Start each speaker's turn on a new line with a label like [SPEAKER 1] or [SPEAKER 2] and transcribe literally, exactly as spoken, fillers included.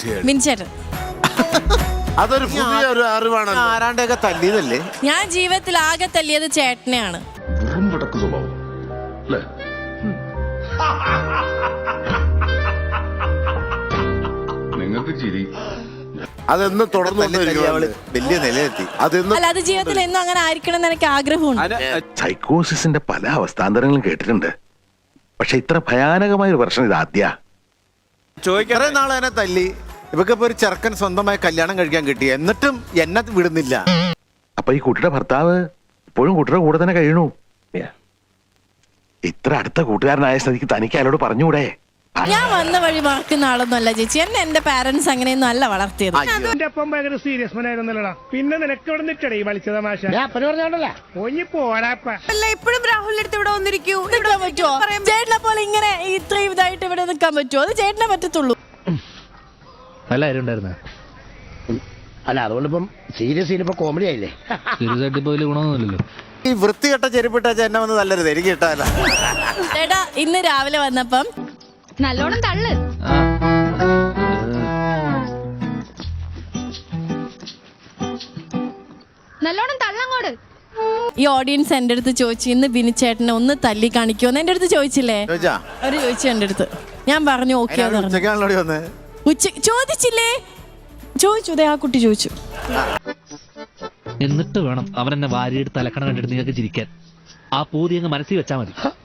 [SPEAKER 1] ബിൻചേട്ടൻ.
[SPEAKER 2] അതൊരു പുതിയ ഒരു അറിവാണ്.
[SPEAKER 3] ആരാണ്ടൊക്കെ തല്ലിയതല്ലേ?
[SPEAKER 1] ഞാൻ ജീവിതത്തിൽ ആകെ തല്ലിയത് ചേട്ടനെയാണ്.
[SPEAKER 4] നിങ്ങൾക്ക് ചിരി
[SPEAKER 2] അതെന്ന് തുടർന്നു
[SPEAKER 3] വലിയ നിലയെത്തി.
[SPEAKER 1] അല്ല, അത് ജീവിതത്തിൽ എന്നും അങ്ങനെ ആയിരിക്കണം എന്ന് എനിക്ക് ആഗ്രഹമുണ്ട്.
[SPEAKER 5] സൈക്കോസിന്റെ പല അവസ്ഥാന്തരങ്ങളും കേട്ടിട്ടുണ്ട്, പക്ഷെ ഇത്ര ഭയാനകമായ ഒരു പ്രശ്നം ഇത് ആദ്യ.
[SPEAKER 3] ചോദിക്കാറേ നാളെ എന്നെ തല്ലി. ഇവക്കിപ്പോ ഒരു ചെറുക്കൻ സ്വന്തമായി കല്യാണം കഴിക്കാൻ കിട്ടി, എന്നിട്ടും എന്നെ വിടുന്നില്ല.
[SPEAKER 5] അപ്പൊ ഈ കുട്ടിയുടെ ഭർത്താവ് ഇപ്പോഴും കുട്ടിയുടെ കൂടെ തന്നെ കഴിയണു. ഇത്ര അടുത്ത കൂട്ടുകാരനായ സ്ഥിതിക്ക് തനിക്ക് അയാളോട് പറഞ്ഞുകൂടെ?
[SPEAKER 1] ഞാൻ വന്ന വഴി മറക്കുന്ന ആളൊന്നും അല്ല ചേച്ചി. എന്നെ എന്റെ പാരന്റ്സ് അങ്ങനെയൊന്നും അല്ല വളർത്തിയത്.
[SPEAKER 6] സീരിയസ് മനായിരുന്നല്ലടാ. പിന്നെ നിനക്ക് ഇവിടെ നിൽക്കടേ വലിച്ച തമാശ
[SPEAKER 7] ഇപ്പോഴും രാഹുലിന്റെ അടുത്ത് ഇവിടെ വന്നിരിക്കൂ.
[SPEAKER 1] നിൽക്കാൻ പറ്റുമോ? ചേട്ടനെ പോലെ ഇങ്ങനെ ഇത്രയും ഇതായിട്ട് ഇവിടെ നിൽക്കാൻ പറ്റുമോ? അത് ചേട്ടനെ പറ്റത്തുള്ളൂ.
[SPEAKER 6] നല്ല കാര്യം ഉണ്ടായിരുന്ന
[SPEAKER 8] അല്ല, അതുകൊണ്ടിപ്പം സീരിയസ് ഇനിയിപ്പോ കോമഡി ആയില്ലേ?
[SPEAKER 6] സീരിയസ് ആയിട്ട് ഇപ്പൊ വലിയ ഗുണമൊന്നുമില്ലല്ലോ.
[SPEAKER 3] ഈ വൃത്തികെട്ട ചെരുപ്പിട്ട എന്നെ വന്ന് തല്ലരുത്, എനിക്ക് കിട്ടാല്ല.
[SPEAKER 1] ചേട്ടാ ഇന്ന് രാവിലെ വന്നപ്പം
[SPEAKER 7] നല്ലോണം തള്ളു. നല്ലോണം തള്ളങ്ങോട്.
[SPEAKER 1] ഈ ഓഡിയൻസ് എന്റെ അടുത്ത് ചോദിച്ചു, ഇന്ന് ബിനിച്ചേട്ടനെ ഒന്ന് തല്ലി കാണിക്കുമെന്ന് എന്റെ അടുത്ത് ചോദിച്ചില്ലേ? അവര് ചോദിച്ചു എന്റെ അടുത്ത്. ഞാൻ പറഞ്ഞു ഓക്കെ. ഉച്ച ചോദിച്ചില്ലേ? ചോദിച്ചു. ദേ ആ കുട്ടി ചോദിച്ചു.
[SPEAKER 6] എന്നിട്ട് വേണം അവരെന്നെ വാരിയെടുത്ത് അലക്കണം കണ്ടിട്ട് നിങ്ങൾക്ക് ചിരിക്കാൻ. ആ പൂതി അങ്ങ് മനസ്സിൽ വെച്ചാൽ മതി.